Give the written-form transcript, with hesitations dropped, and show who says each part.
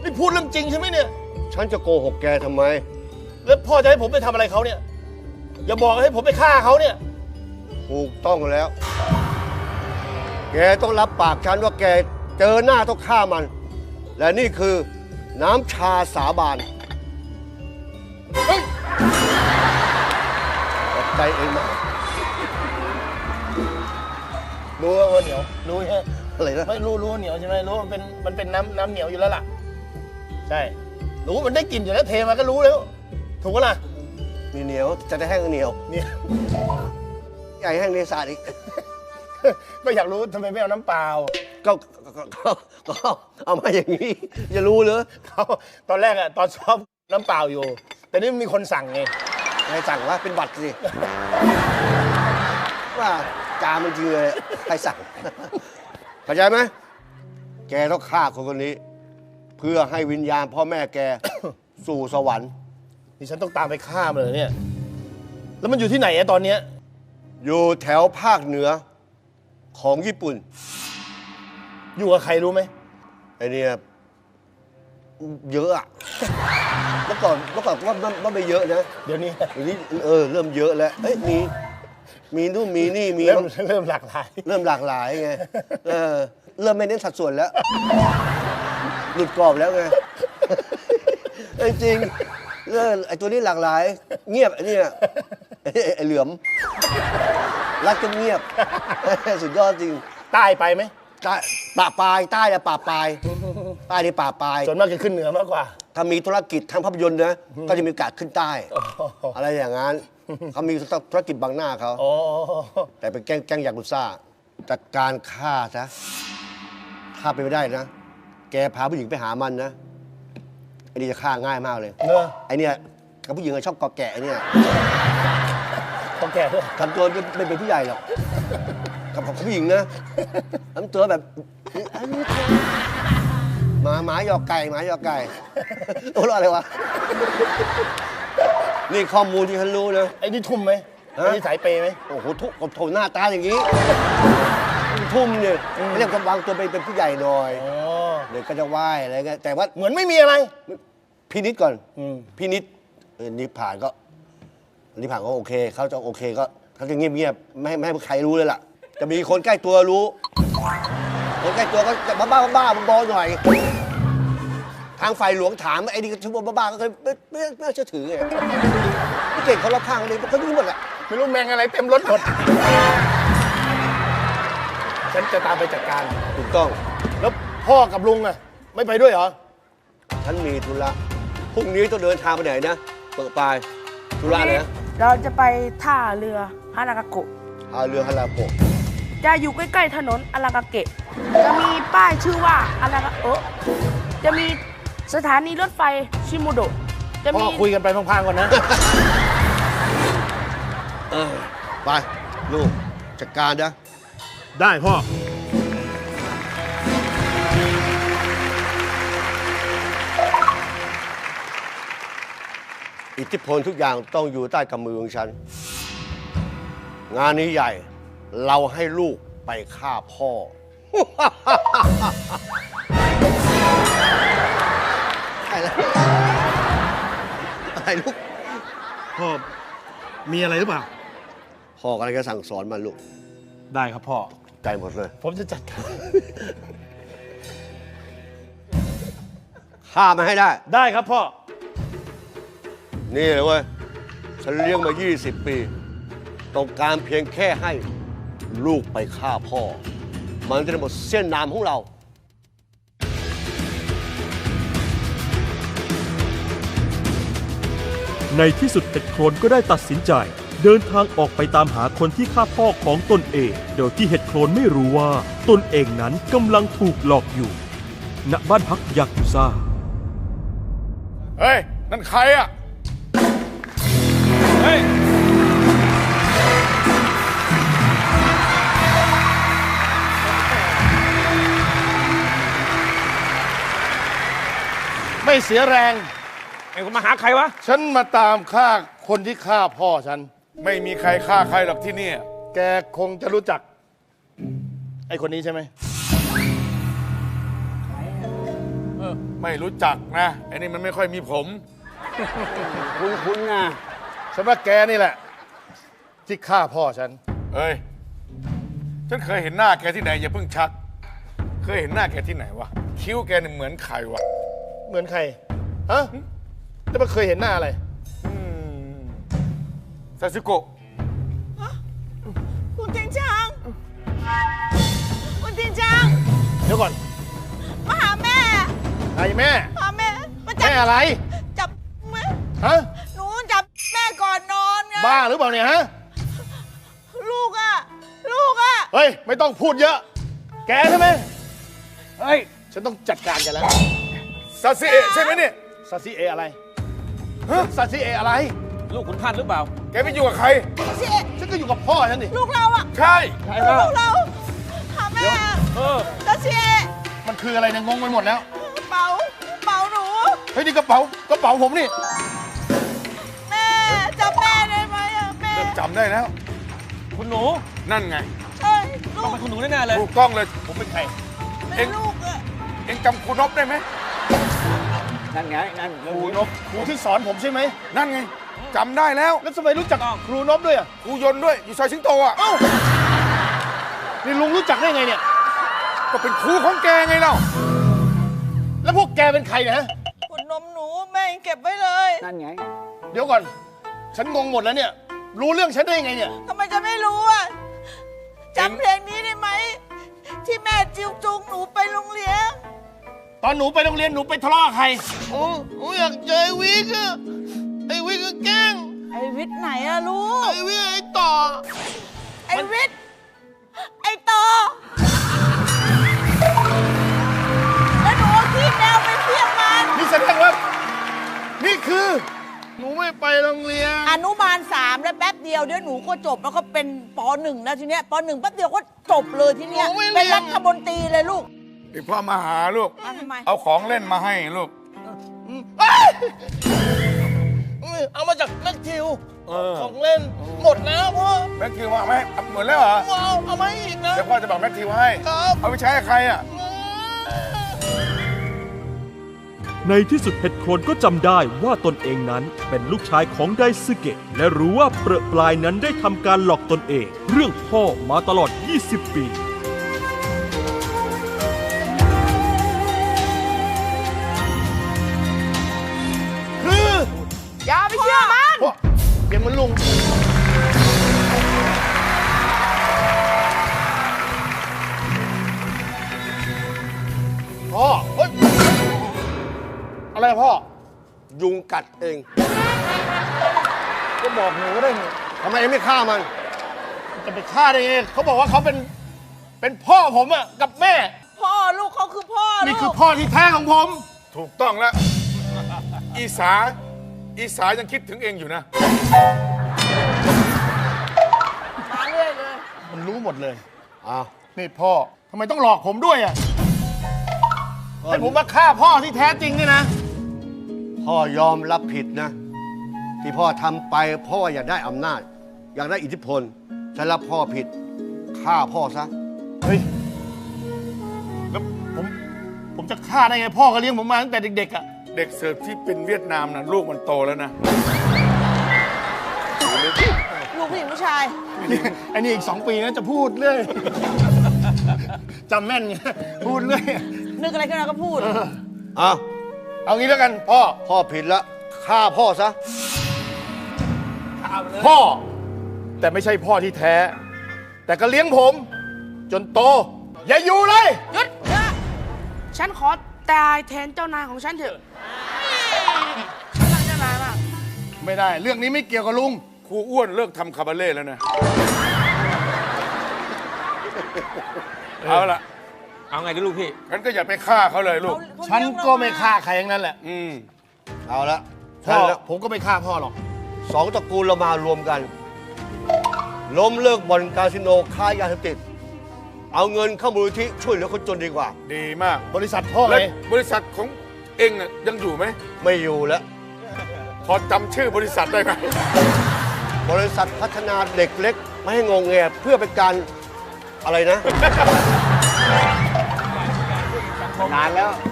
Speaker 1: นี่พูดเรื่องจริงใช่ไหมเนี่ย
Speaker 2: ฉันจะโกหกแกทำไม
Speaker 1: แล้วพ่อจะให้ผมไปทำอะไรเขาเนี่ย อย่าบอกให้ผมไปฆ่าเขาเนี่ย
Speaker 2: ถูกต้องแล้ว แกต้องรับปากฉันว่าแกเจอหน้าต้องฆ่ามัน และนี่คือน้ำชาสาบาน
Speaker 1: เฮ้ย
Speaker 2: ขอบใจเองนะ
Speaker 1: รู้ว่าเหนียว รู้ใช่ไหม
Speaker 2: อะไรนะ
Speaker 1: ไม่รู้ว่าเหนียวใช่ไหมรู้ว่ามันเป็นน้ำเหนียวอยู่แล้วล่ะ ใช่ รู้มันได้กลิ่นอยู่แล้วเทมาก็รู้แล้ว ถูกปะล่ะ
Speaker 2: มีเหนียวจะได้แห้งเหนียว
Speaker 1: เนี่ย
Speaker 2: ใหญ่แห้งในสาดอีก
Speaker 1: ก็อยากรู้ทำไมไม่เอาน้ำเปล่า
Speaker 2: ก็เอามาอย่างนี้จะรู้เหรอ
Speaker 1: เขาตอนแรกอะตอนซ้อมน้ำเปล่าอยู่ แต่นี่มีคนสั่งไง
Speaker 2: ใครสั่งว่าเป็นบัตรสิ ว่าจามันจริงเลยใครสั่ง เข้าใจไหม แกต้องฆ่าคนคนนี้ เพื่อให้วิญญาณพ่อแม่แก สู่สวรรค์
Speaker 1: นี่ฉันต้องตามไปฆ่ามันเลยเนี่ย แล้วมันอยู่ที่ไหนอะตอนเนี้ย
Speaker 2: อยู่แถวภาคเหนือของญี่ปุ่น
Speaker 1: อยู่กับใครรู้ไหม
Speaker 2: ไอเนี่ยเยอะอะเมื่อก่อนว่าไม่เยอะนะ
Speaker 1: เดี๋ยวนี้
Speaker 2: เดี๋ยวนี้เริ่มเยอะแล้วเอ้ยมีนู่นมีนี่มี
Speaker 1: เริ่มหลากหลาย
Speaker 2: เริ่มหลากหลายไงเริ่มไม่เน้นสัดส่วนแล้ว หลุดกรอบแล้วไง จริงไอตัวนี้หลากหลาย เงียบไอเนี่ยไอเหลือมรักจนเงียบ สุดยอดจริง
Speaker 1: ใต้ไปไหม
Speaker 2: ใต้ป่าปลายใต้เนี่ยป่าปลายใต้นี่ป่าปลาย
Speaker 1: ส่วนมากจะขึ้นเหนือมากกว่า
Speaker 2: ถ้ามีธุรกิจทางภาพยนตร์นะก็จะมีโอกาสขึ้นใต้ อะไรอย่างนั้นเขามีธุรกิจบังหน้าเขา
Speaker 1: อ๋อ
Speaker 2: แต่เป็นแก๊งยากุซ่าจัดการฆ่าซะถ้าเป็นไม่ได้นะ แกพาผู้หญิงไปหามันนะไอ้นี่จะฆ่าง่ายมากเลย
Speaker 1: เนอะ
Speaker 2: ไอ้เนี่ยกับผู้หญิงชอบกอแกะไอ้เนี่ย
Speaker 1: ต้องแก่ด้วย
Speaker 2: ทำตัวไม่เป็นผู้ใหญ่หรอกกับผู้หญิงนะทำตัวแบบหมาหยอกไก่หมาหยอกไก่โอ้รออะไรวะนี่ข้อมูลที่ฉันรู้นะ
Speaker 1: ไอ้นี่ทุ่มไหมไอ้นี่สายเปย์ไหม
Speaker 2: โอ้โหทุกโถหน้าตาอย่างนี้ ทุ่มเนี่ยเรียกวางตัวเป็นผู้ใหญ่หน่อย
Speaker 1: อ๋อ
Speaker 2: เดี๋ยวก็จะไหว้อะไรเงี้ยแต่ว่า
Speaker 1: เหมือนไม่มีอะไร
Speaker 2: พี่นิดก่อน
Speaker 1: อืม
Speaker 2: พี่นิดนิพผ่านก็นิพผ่านก็โอเคเขาจะโอเคก็เขาจะเงียบๆไม่ให้ใครรู้เลยล่ะ จะมีคนใกล้ตัวรู้ คนใกล้ตัวก็จะบ้าๆบอๆหน่อย ทางฝ่ายหลวงถามไอ้นี่ก็ชั่วโมงบ้าๆก็เคยไม่เชื่อถือไงพี่เก่งเขารอบข้างเลยเขารู้หมดแหละ
Speaker 1: ไม่รู้แมงอะไรเต็มรถหมด ฉันจะตามไปจัดการ
Speaker 2: ถูกต้อง
Speaker 1: แล้วพ่อกับลุงอะไม่ไปด้วยเหรอ
Speaker 2: ฉันมีธุระพรุ่งนี้ต้องเดินทางไปไหนนะเปิดปลายธุระอะไรนะ
Speaker 3: เราจะไปท่าเรือฮานากาโกะ
Speaker 2: หาเรือฮาราโกะ
Speaker 3: จะอยู่ใกล้ๆถนนอารากาเกะ จะมีป้ายชื่อว่าอารากาจะมีสถานีรถไฟชิโมโดะจะ
Speaker 1: พ่อ
Speaker 3: มี
Speaker 1: คุยกันไปพังๆก่อนนะ
Speaker 2: ไปลูกจัดการนะ
Speaker 1: ได้พ่อ
Speaker 2: อิทธิพลทุกอย่างต้องอยู่ใต้กำมือของฉัน งานนี้ใหญ่ เราให้ลูกไปฆ่าพ่อ อะไรอะไรลูก
Speaker 1: พ่อ มีอะไรหรือเปล่า
Speaker 2: พ่อกำลังจะสั่งสอนมันลูก
Speaker 1: ได้ครับพ่อ
Speaker 2: ใจหมดเลย
Speaker 1: ผมจะจัดการ
Speaker 2: ฆ่ามันให้ได้
Speaker 1: ได้ครับพ่อ
Speaker 2: นี่เลยเว้ย ฉันเลี้ยงมา 20 ปี ต้องการเพียงแค่ให้ลูกไปฆ่าพ่อ มันจะได้หมดเส้นนามของเรา
Speaker 4: ในที่สุดเห็ดโครนก็ได้ตัดสินใจ เดินทางออกไปตามหาคนที่ฆ่าพ่อของตนเอง โดยที่เห็ดโครนไม่รู้ว่าตนเองนั้นกำลังถูกหลอกอยู่ ณ บ้านพักยากุซ่า
Speaker 5: เฮ้ย นั่นใครอ่ะ เฮ้ย
Speaker 1: ไม่เสียแรง
Speaker 5: ไอ้คุณมาหาใครวะ
Speaker 1: ฉันมาตามฆ่าคนที่ฆ่าพ่อฉัน
Speaker 5: ไม่มีใครฆ่าใครหรอกที่นี่
Speaker 1: แกคงจะรู้จัก ไอ้คนนี้ใช่ไหม
Speaker 5: เออไม่รู้จักนะไอ้นี่มันไม่ค่อยมีผม
Speaker 2: คุณนะ
Speaker 1: ฉันว่าแกนี่แหละ ที่ฆ่าพ่อฉัน
Speaker 5: เอ้ย ฉันเคยเห็นหน้าแกที่ไหนอย่าเพิ่งชัก เคยเห็นหน้าแกที่ไหนวะ คิ้วแกเนี่ยเหมือนใครวะ
Speaker 1: เหมือนใคร ฮะแล้วมันเคยเห็นหน้าอะไร
Speaker 5: ซาสึโกะ
Speaker 6: คุณจริงจังคุณจริงจัง
Speaker 1: เดี๋ยวก่อน
Speaker 6: มาหาแม่
Speaker 1: ใครแม่
Speaker 6: หาแม่มาจั
Speaker 1: แม่อะไร
Speaker 6: จับแม่
Speaker 1: ฮะ
Speaker 6: หนูจับแม่ก่อนนอนไง
Speaker 1: บ้าหรือเปล่าเนี่ยฮะ
Speaker 6: ลูกอะลูกอะ
Speaker 1: เฮ้ย ไม่ต้องพูดเยอะ แกใช่ไหม
Speaker 2: เฮ้ย
Speaker 1: ฉันต้องจัดการแกันแล้ว
Speaker 5: ซาซิเอะใช่ไหมเนี่ย
Speaker 1: ซาซิเออะไรซาซิเออะไร
Speaker 7: ลูกขุนพันธ์หรือเปล่า
Speaker 5: แกไปอยู่กับใคร
Speaker 6: เสีย
Speaker 1: ฉันก็อยู่กับพ่อฉันดิ
Speaker 6: ลูกเราอะ
Speaker 5: ใช่
Speaker 6: ลูกเราหาแม่จะเสีย
Speaker 1: มันคืออะไรเนี่ยงงไปหมดแล้ว
Speaker 6: เป๋าหนู
Speaker 1: เฮ้ยนี่กระเป๋าผมนี่
Speaker 6: แม่จับแม่ได้ไหมอะแม่
Speaker 5: เริ่มจำได้แล้ว
Speaker 7: คุณหนู
Speaker 5: นั่นไง
Speaker 6: เอ้ยลู
Speaker 7: ต้อง
Speaker 6: ก
Speaker 7: เป็นคุณหนูแน่ๆเลย
Speaker 5: ถูกต้องเลย
Speaker 1: ผมเป็นใคร
Speaker 6: เป็นลูกอะ
Speaker 5: เอ็งจำครูนบได้ไหม
Speaker 2: นั่นไง นั่น
Speaker 1: ครูนบครูที่สอนผมใช่ไหม
Speaker 5: นั่นไงจำได้แล้ว
Speaker 1: แล้วทำไมรู้จักครูนบด้วยอ่ะ
Speaker 5: ครูยนต์ด้วย อยู่ซอยสิงโตอ่ะ
Speaker 1: เอ้า นี่ลุงรู้จักได้ไงเนี่ย
Speaker 5: ก็เป็นครูของแกไงเล่า
Speaker 1: แล้วพวกแกเป็นใครเนะฮะ
Speaker 6: ขุนนมหนูแม่เก็บไว้เลย
Speaker 2: นั่นไง
Speaker 1: เดี๋ยวก่อน ฉันงงหมดแล้วเนี่ย รู้เรื่องฉันได้ยังไงเนี่ย
Speaker 6: ทำไมจะไม่รู้อะจำเพลงนี้ได้ไหมที่แม่จิ้วจุงหนูไปโรงเรียน
Speaker 1: ตอนหนูไปโรงเรียนหนูไปทะเลาะกับใครโอ้อยากเจอไอ้วิกอะไอ้วิกก็แกล้ง
Speaker 6: ไอวิทย์ไหนอะลูก
Speaker 1: ไอ้วิกไอ้ต่อ
Speaker 6: ไอวิทย์ไอต่อแล้วหนูเอาขี้แมวไปเพี้ยงมัน
Speaker 1: นี่แสดงว่า นี่คือ หนูไม่ไปโรงเรียน
Speaker 6: อนุบาล3แล้วแป๊บเดียวเดี๋ยวหนูก็จบแล้วก็เป็นป .1 แล้วทีเนี้ยป .1 แป๊บเดียวก็จบเลยทีเนี้ย
Speaker 1: หนูไม่เรียน
Speaker 6: เป็นรัฐมนตรีเลยลูก
Speaker 5: เดี๋ยวพ่อมาหาลูก
Speaker 6: ทำไม
Speaker 5: เอาของเล่นมาให้ลูก
Speaker 1: เอามาจากแม็กทิวของเล่น หมดแล้วพ่อ
Speaker 5: แม็กทิวมาไหมเหมือนแล้วเหรอ
Speaker 1: เอามาอีกนะ
Speaker 5: เดี๋ยวพ่อจะบอกแม็กทิวให้
Speaker 1: ครับ
Speaker 5: เอาไปใช้กับใครอ่ะ
Speaker 4: ในที่สุดเห็ดโครนก็จำได้ว่าตนเองนั้นเป็นลูกชายของไดซึเกะและรู้ว่าเปรอะปลายนั้นได้ทำการหลอกตนเอง เรื่องพ่อมาตลอด 20 ปี
Speaker 1: คือ
Speaker 3: อย่าไปเชื่อมัน
Speaker 1: พ่อเสียงเหมันลุง พ่อเฮ้ย อะไรอะพ่อ
Speaker 2: ยุงกัดเอง
Speaker 1: ก็บอกหนูก็ได้ไง
Speaker 2: ทำไมไม่ฆ่ามัน
Speaker 1: จะไปฆ่าได้ไงเขาบอกว่าเขาเป็นพ่อผมอะกับแม่
Speaker 6: พ่อลูกเขาคือพ่อ
Speaker 1: นี่
Speaker 6: ลู
Speaker 1: คือก พ่อที่แท้ของผม
Speaker 5: ถูกต้องแล้ว อีสายังคิดถึงเองอยู่นะ
Speaker 6: มาเรื่อยเลย
Speaker 1: มันรู้หมดเลย
Speaker 2: อ้าว
Speaker 1: นี่พ่อทำไมต้องหลอกผมด้วยอะให้ผมมาฆ่าพ่อที่แท้จริงนี่นะ
Speaker 2: พ่อยอมรับผิดนะ ที่พ่อทำไปเพราะว่าอยากได้อำนาจ อยากได้อิทธิพลฉันรับพ่อผิดฆ่าพ่อซะ
Speaker 1: เฮ้ย แล้วผมจะฆ่าได้ไงพ่อก็เลี้ยงผมมาตั้งแต่เด็กๆอะ
Speaker 5: เด็กเสิร์ฟที่เป็นเวียดนามนะลูกมันโตแล้วนะ
Speaker 6: ลูกผู้หญิงผู้ชาย
Speaker 1: ไอ้นี่อีก 2 ปีนะจะพูดเรื่อย จำแม่นไงพูดเรื่อย
Speaker 6: นึกอะไรขึ้นมาก็พูด
Speaker 2: อ้าว
Speaker 1: เอางี้แล้วกันพ่อ
Speaker 2: พ่อผิดแล้วฆ่าพ่อซะ
Speaker 1: พ่อ แต่ไม่ใช่พ่อที่แท้ แต่ก็เลี้ยงผม จนโต อย่าอยู่เลย
Speaker 3: หยุดฉันขอตายแทนเจ้านายของฉันเถอะฉันรักเจ้านายมาก
Speaker 1: ไม่ได้ เรื่องนี้ไม่เกี่ยวกับลุง
Speaker 5: ครูอ้วนเลิกทำคาบาเล่แล้วนะ เอาละ
Speaker 7: เอาไงดีลูกพี่
Speaker 5: งั้นก็อย่าไปฆ่าเขาเลยลูก
Speaker 1: ฉันก็ไม่ฆ่าใครทั้งนั้นแหละ
Speaker 2: เอาละ
Speaker 1: พ่
Speaker 2: ฉั
Speaker 1: อน
Speaker 2: แล้ว
Speaker 1: ผมก็ไม่ฆ่าพ่อหรอก
Speaker 2: สองตระกูลเรามารวมกัน ล้มเลิกบ่อนคาสิโนค้ายาเสพติด เอาเงินเข้ามูลนิธิช่วยเหลือคนจนดีกว่า
Speaker 5: ดีมาก
Speaker 1: บริษัทพ่อ
Speaker 5: และ
Speaker 1: ไง
Speaker 5: บริษัทของเองน่ะยังอยู่ไหม
Speaker 2: ไม่อยู่แล้ว
Speaker 5: พอจำชื่อบริษัทได้ไหม
Speaker 2: บริษัทพัฒนาเด็กเล็ก ไม่ให้งงแงเพื่อเป็นการอะไรนะ นานแล้ว